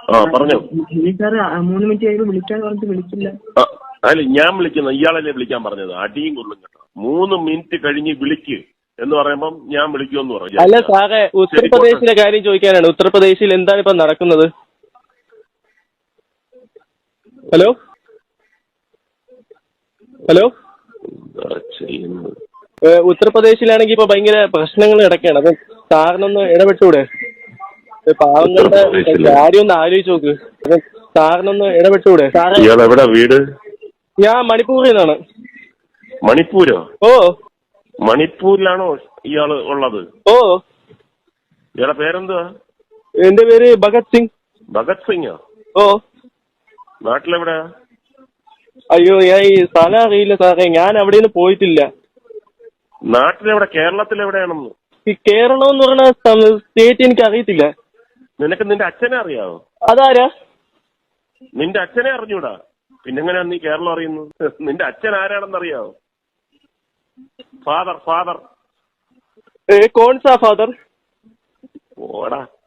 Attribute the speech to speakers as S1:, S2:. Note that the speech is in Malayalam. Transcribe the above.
S1: പറഞ്ഞു.
S2: സാറ് 3 മിനിറ്റ് കഴിയുമ്പോൾ വിളിക്കാൻ പറഞ്ഞിട്ട് വിളിച്ചില്ല.
S1: അല്ല, ഞാൻ വിളിക്കുന്ന ഇയാളല്ലേ വിളിക്കാൻ പറഞ്ഞത്. അടിയും കൊള്ളും കേട്ടോ. 3 മിനിറ്റ് കഴിഞ്ഞ് വിളിക്ക് എന്ന് പറയുമ്പം ഞാൻ വിളിക്കുമെന്ന് പറഞ്ഞു.
S3: അല്ല സാറേ, ഉത്തർപ്രദേശിലെ കാര്യം ചോദിക്കാനാണ്. ഉത്തർപ്രദേശിൽ എന്താണ് ഇപ്പൊ നടക്കുന്നത്? ഹലോ ഹലോ, ഉത്തർപ്രദേശിലാണെങ്കിൽ ഇപ്പൊ ഭയങ്കര പ്രശ്നങ്ങൾ കിടക്കുകയാണ്. അപ്പൊ സാറിനൊന്ന് ഇടപെട്ടൂടെ? പാവങ്ങളുടെ കാര്യം ഒന്ന് ആലോചിച്ച് നോക്ക്. അപ്പൊ സാറിനൊന്ന് ഇടപെട്ടൂടെ?
S1: എവിടെ വീട്?
S3: ഞാൻ മണിപ്പൂരിൽ നിന്നാണ്.
S1: മണിപ്പൂരോ?
S3: ഓ,
S1: മണിപ്പൂരിലാണോ ഇയാള് ഉള്ളത്?
S3: ഓ.
S1: ഇയാളെ പേരെന്തുവാ?
S3: എന്റെ പേര് ഭഗത് സിംഗ്.
S1: ഭഗത് സിംഗോ?
S3: ഓ.
S1: നാട്ടിലെവിടെയാ?
S3: അയ്യോ, ഞാൻ ഈ സ്ഥലം അറിയില്ല സാറേ. ഞാൻ അവിടെ നിന്ന് പോയിട്ടില്ല.
S1: നാട്ടിലെവിടെ? കേരളത്തിലെവിടെയാണെന്ന്?
S3: ഈ കേരളം എന്ന് പറയുന്ന സ്റ്റേറ്റ് എനിക്ക് അറിയത്തില്ല.
S1: നിനക്ക് നിന്റെ അച്ഛനെ അറിയാവോ?
S3: അതാരാ?
S1: നിന്റെ അച്ഛനെ അറിഞ്ഞൂടാ? പിന്നെങ്ങനെയാ നീ കേരളം അറിയുന്നു? നിന്റെ അച്ഛൻ ആരാണെന്ന് അറിയാവോ? ഫാദർ.
S3: കോൺ സാ ഫാദർ?
S1: ഓടാ.